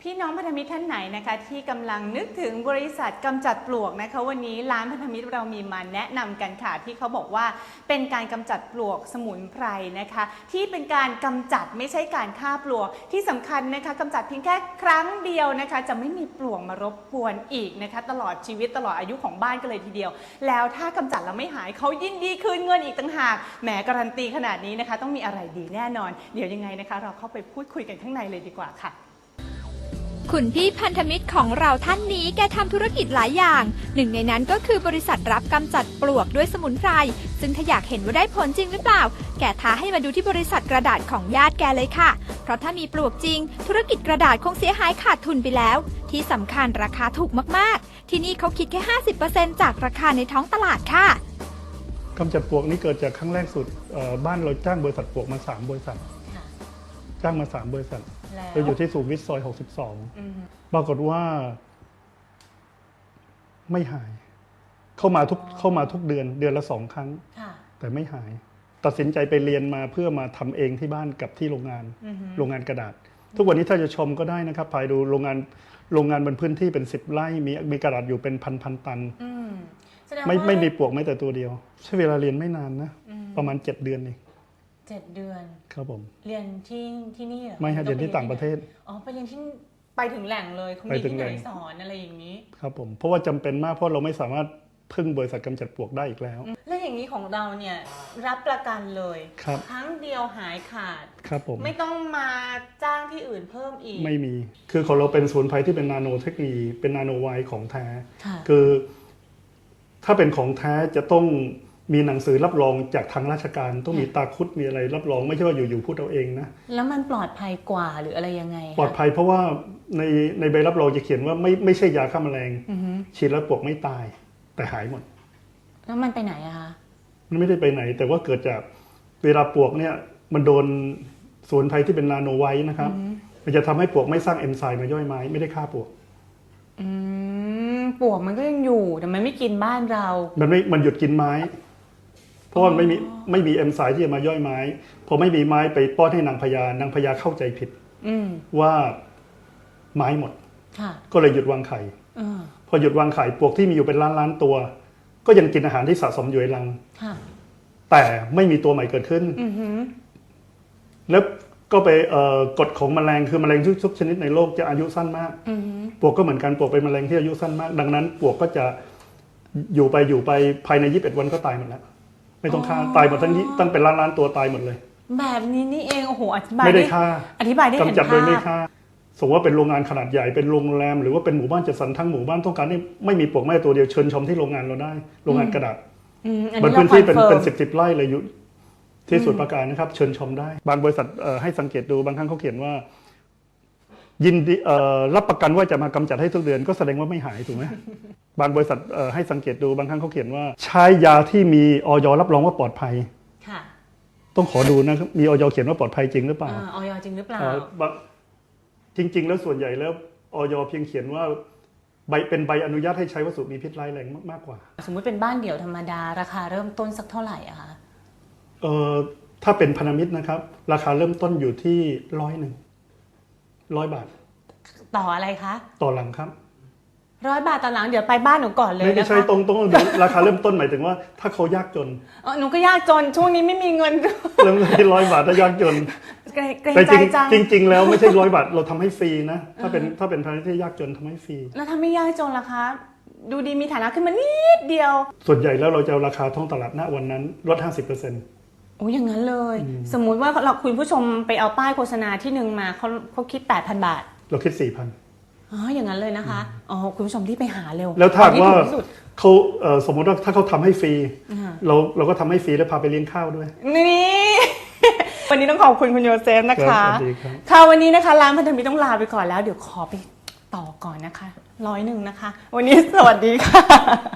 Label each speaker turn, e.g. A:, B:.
A: พี่น้องพันธมิตรท่านไหนนะคะที่กำลังนึกถึงบริษัทกำจัดปลวกนะคะวันนี้ร้านพันธมิตรเรามีมาแนะนำกันค่ะที่เขาบอกว่าเป็นการกำจัดปลวกสมุนไพรนะคะที่เป็นการกำจัดไม่ใช่การฆ่าปลวกที่สำคัญนะคะกำจัดเพียงแค่ครั้งเดียวนะคะจะไม่มีปลวกมารบกวนอีกนะคะตลอดชีวิตตลอดอายุของบ้านกันเลยทีเดียวแล้วถ้ากำจัดแล้วไม่หายเขายินดีคืนเงินอีกต่างหากแหมการันตีขนาดนี้นะคะต้องมีอะไรดีแน่นอนเดี๋ยวยังไงนะคะเราเข้าไปพูดคุยกันข้างในเลยดีกว่าค่ะ
B: คุณพี่พันธมิตรของเราท่านนี้แกทำธุรกิจหลายอย่างหนึ่งในนั้นก็คือบริษัทรับกำจัดปลวกด้วยสมุนไพรซึ่งถ้าอยากเห็นว่าได้ผลจริงหรือเปล่าแกท้าให้มาดูที่บริษัทกระดาษของญาติแกเลยค่ะเพราะถ้ามีปลวกจริงธุรกิจกระดาษคงเสียหายขาดทุนไปแล้วที่สำคัญราคาถูกมากๆที่นี่เขาคิดแค่ 50% จากราคาในท้องตลาดค่ะ
C: กำจัดปลวกนี้เกิดจากครั้งแรกสุดบ้านเราจ้างบริษัทปลวกมา3บริษัทจ้างมา3บริษัทเราอยู่ที่สุขุมวิทซอย62ปรากฏว่าไม่หายเข้ามาทุกเดือนละ2 ครั้งแต่ไม่หายตัดสินใจไปเรียนมาเพื่อมาทำเองที่บ้านกับที่โรงงานกระดาษทุกวันนี้ถ้าจะชมก็ได้นะครับไปดูโรงงานบนพื้นที่เป็น10 ไร่มีกระดาษอยู่เป็นพันตันไม่มีปลวกแม้แต่ตัวเดียวใช้เวลาเรียนไม่นานนะประมาณ7 เดือนเอง
A: 7 เดือน
C: ครับผม
A: เรียนที่นี่เหรอ
C: ไม่ฮะเรียนที่ต่างประเทศ
A: อ๋อไปเรียนที่ไปถึงแหล่งเลยเขามีที่ไหนสอนอะไรอย่างนี้
C: ครับผมเพราะว่าจำเป็นมากเพราะเราไม่สามารถพึ่งบริษัทกำจัดปลวกได้อีกแล้ว
A: และอย่างนี้ของเราเนี่ยรับประกันเลยครั้งเดียวหายขาด
C: ครับผม
A: ไม่ต้องมาจ้างที่อื่นเพิ่มอีก
C: ไม่มีคือของเราเป็นสมุนไพรที่เป็นนาโนเทคโนโลยีเป็นนาโนไวของแท้คือถ้าเป็นของแท้จะต้องมีหนังสือรับรองจากทางราชการต้องมีตาคุดมีอะไรรับรองไม่ใช่ว่าอยู่ๆพูดเอาเองนะ
A: แล้วมันปลอดภัยกว่าหรืออะไรยังไง
C: ปลอดภัยเพราะว่าในใบรับรองจะเขียนว่าไม่ใช่ยาฆ่าแมลงฉีดแล้วปลวกไม่ตายแต่หายหมด
A: แล้วมันไปไหนอะคะ
C: มันไม่ได้ไปไหนแต่ว่าเกิดจากเวลาปลวกเนี่ยมันโดนสมุนไพรที่เป็นนาโนไวท์นะครับมันจะทำให้ปลวกไม่สร้างเอนไซม์มาย่อยไม้ไม่ได้ฆ่าปลวก
A: ปลวกมันก็ยังอยู่แต่มันไม่กินบ้านเรา
C: มันหยุดกินไม้เพราะมันไม่มีเอนไซม์ที่จะมาย่อยไม้พอไม่มีไม้ไปป้อนให้นางพญาเข้าใจผิดว่าไม้หมดก็เลยหยุดวางไข่พอหยุดวางไข่ปลวกที่มีอยู่เป็นล้านตัว ก็ยังกินอาหารที่สะสมอยู่ในรังแต่ไม่มีตัวใหม่เกิดขึ้นแล้วก็ไปกฎของแมลงคือแมลงทุกชนิดในโลกจะอายุสั้นมากปลวกก็เหมือนกันปลวกเป็นแมลงที่อายุสั้นมากดังนั้นปลวกก็จะอยู่ไปภายใน21 วันก็ตายหมดแล้วไม่ต้องฆ่าตายหมดตั้งเป็นล้านตัวตายหมดเลย
A: แบบนี้นี่เองโอ้โหอธิบาย
C: ไม่ได้ฆ่า
A: อธิบายได้เห็นภาพ
C: กำจัดโดยไม่ฆ่าสมมติว่าเป็นโรงงานขนาดใหญ่เป็นโรงแรมหรือว่าเป็นหมู่บ้านจัดสรรทั้งหมู่บ้านต้องการให้ไม่มีปลวกแม้แต่ตัวเดียวเชิญชมที่โรงงานเราได้โรงงานกระดาษบนพื้นที่เป็น10 ไร่เลยอยู่ที่สมุทรปราการนะครับเชิญชมได้บางบริษัทให้สังเกตดูบางครั้งเขาเขียนว่ายินดีรับประกันว่าจะมากำจัดให้ทุกเดือนก็แสดงว่าไม่หายถูกไหมบางบริษัทให้สังเกตดูบางครั้งเขาเขียนว่าใช้ยาที่มีอย.รับรองว่าปลอดภัยต้องขอดูนะมีอย.เขียนว่าปลอดภัยจริงหรือเปล่า
A: อย.จริงหรือเปล่า
C: จริงๆแล้วส่วนใหญ่แล้วอย.เพียงเขียนว่าเป็นใบอนุญาตให้ใช้วัสดุมีพิษร้ายแรงมากกว่า
A: สมมุติเป็นบ้านเดี่ยวธรรมดาราคาเริ่มต้นสักเท่าไหร่อะคะ
C: ถ้าเป็นพันธมิตรนะครับราคาเริ่มต้นอยู่ที่100 บาท
A: ต่ออะไรคะ
C: ต่อหลังครับ
A: 100 บาทต่อหลังเดี๋ยวไปบ้านหนูก่อนเลย
C: นะคะไม่ใช่ตรงราคาเริ่มต้นหมายถึงว่าถ้าเขายากจน
A: หนูก็ยากจนช่วงนี้ไม่มีเงิน
C: เริ่มที่100 บาทถ้ายากจนแต่จริงแล้วไม่ใช่100 บาทเราทำให้ฟรีนะถ้าเป็นพันธมิตรที่ยากจนทำให้ฟรี
A: แล้วถ้าไม่ยากจนล่ะคะดูดีมีฐานะขึ้นมานิดเดียว
C: ส่วนใหญ่แล้วเราจะเอาราคาท้องตลาดณวันนั้นลด 50%
A: โอ้อย่างนั้นเลยสมมุติว่าคุณผู้ชมไปเอาป้ายโฆษณาที่หนึ่งมาเขาคิด 8,000 บาท
C: เราคิด 4,000
A: อย่างนั้นเลยนะคะคุณผู้ชมที่ไปหาเร็ว
C: แล้วถ้าว่าเขาสมมติว่าถ้าเขาทำให้ฟรีเราก็ทำให้ฟรีแล้วพาไปเลี้ยงข้าวด้วย
A: นี่วันนี้ต้องขอบคุณโยเซฟนะคะค่ะวันนี้นะคะร้านพันธมิตรต้องลาไปก่อนแล้วเดี๋ยวขอไปต่อก่อนนะคะ101นะคะวันนี้สวัสดีค่ะ